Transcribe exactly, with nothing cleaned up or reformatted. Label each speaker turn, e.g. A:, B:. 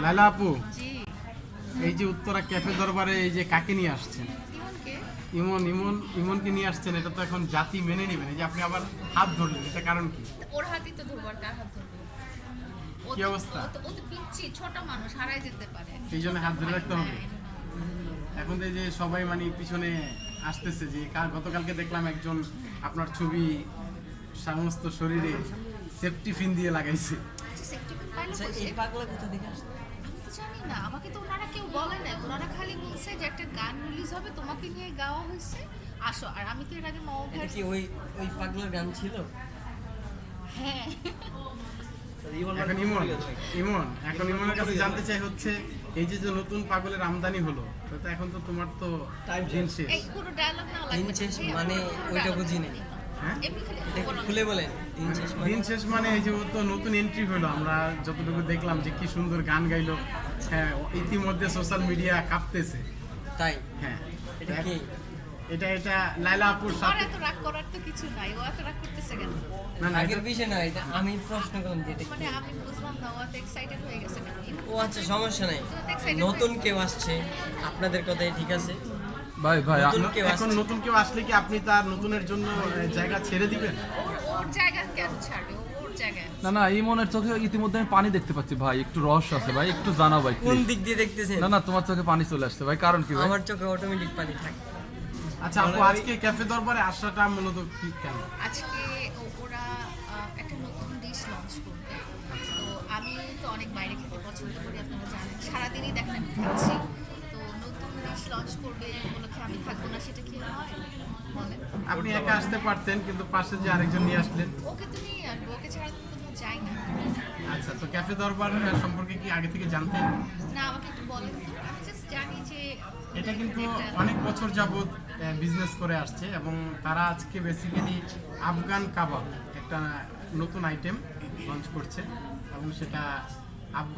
A: লাইলা আপু, এই যে উত্তরা ক্যাফে দরবারে এই যে কাকে নিয়ে আসছেন? ইমন ইমন ইমনকে নিয়ে আসছেন, এটা তো এখন জাতি মেনে নেবেন। এই যে আপনি আবার হাত ধরলেন, এটা কারণ কি?
B: ওর হাতই তো ধরবো, আর কার হাত ধরবো?
A: কি অবস্থা?
B: ও তো পিচ্ছি, ছোট মানুষ, হারাই যেতে পারে।
A: এই জন্য হাত ধরে রাখতে হবে। এখন তো এই যে সবাই মানে পিছনে আসতেছে যে গতকালকে দেখলাম একজন আপনার ছবি সমস্ত শরীরে সেফটি ফিন দিয়ে লাগাইছে।
B: সেফটি পিন পাইলো
C: আচ্ছা,
B: কোথায়?
C: এই পাগলা কোথা থেকে আসছে?
B: আমি তো জানি না, আমাকে তো ওনারা কেউ বলে না। ওনারা খালি বলছে যে একটা গান রিলিজ হবে, তোমাকে নিয়ে গাওয়া হয়েছে, আসো। আর আমি তো এর আগে মাও
C: এটা কি ওই ওই পাগলার গান ছিল?
B: হ্যাঁ।
A: এখন ইমন ইমন এখন ইমনের কাছে জানতে চাই হচ্ছে এই যে যে নতুন পাগলের আমদানি হলো, তো তো এখন তো তোমার তো
C: Time
A: দিন শেষ।
B: এই পুরো ডায়লগ না
C: দিন
B: লাগবে।
C: শেষ
B: এই
C: মানে
B: পুরো
C: ওইটা
B: dialogue
C: বুঝিনি।
B: লাগবে না।
A: হ্যাঁ?
B: এমনি খালি
C: এটা একটু
B: বলো।
C: খুলে বলেন। দিন শেষ মানে
A: দিন শেষ মানে এই যে ও তো নতুন এন্ট্রি হলো, আমরা যতটুকু দেখলাম যে কি সুন্দর গান গাইলো। হ্যাঁ, ইতিমধ্যে সোশ্যাল মিডিয়া কাঁপতেছে।
C: তাই?
A: হ্যাঁ,
C: এটা কি?
A: এটা এটা লাইলা আপুর
B: তোমার
A: সাথে
B: এত রাগ করার তো কিছু নাই, ও এত রাগ করতেছে কেন?
A: না না
C: আগের
A: এটা-
C: বিষয় না, এটা আমি প্রশ্ন করলাম যে এটা কি?
B: মানে আমি বুঝলাম না, ও এত এক্সাইটেড হয়ে গেছে কেন?
C: ও আচ্ছা, সমস্যা নাই।
B: তো excited
C: নতুন
B: হয়েছে।
C: কেউ আসছে, আপনাদের কথাই ঠিক আছে।
D: ভাই ভাই আ-
C: নতুন কেউ
A: এখন
C: আসছে।
A: নতুন কেউ আসলে কি আপনি তার নতুনের জন্য আহ, জায়গা ছেড়ে দিবেন?
B: ওর ওর জায়গা কেন ছাড়বে? ও ওর জায়গায় আছে।
D: না না ইমনের চোখে ইতিমধ্যে আমি পানি দেখতে পাচ্ছি ভাই, একটু রহস্য আছে ভাই, একটু জানাও ভাই
C: কোন
D: please।
C: দিক দিয়ে দেখতেছেন?
D: না না তোমার চোখে পানি চলে আসছে ভাই, কারণ কি ভাই?
C: আমার চোখে অটোমেটিক পানি থাকে।
A: আচ্ছা আপু, আজকে ক্যাফে দরবারে আসাটা মূলত কি কেন?
B: আজকে ও- ওরা আহ, একটা নতুন ডিশ লঞ্চ করবে। তো আমি তো অনেক বাইরে খেতে পছন্দ করি, আপনারা জানেন, সারাদিনই দেখেন আমি খাচ্ছি। তো নতুন ডিশ লঞ্চ করবে এই উপলক্ষে আমি থাকবো না, সেটা কি হয় বলেন?
A: আপনি একা আসতে পারতেন, কিন্তু পাশে যে আরেকজন নিয়ে আসলেন।
B: ওকে তো নিয়ে আসবো, ওকে ছাড়া তো কোথাও যাই না।
A: আচ্ছা, তো ক্যাফে দরবার আহ, সম্পর্কে কি আগে থেকে জানতেন?
B: না, আমাকে একটু বলেন তো। আমি জাস্ট জানি যে
A: এটা কিন্তু
B: এটা-
A: অনেক বছর যাবত বিজনেস করে আসছে এবং তারা আজকে বেসিক্যালি আফগান কাবাব একটা নতুন আইটেম লঞ্চ করছে এবং সেটা আফগান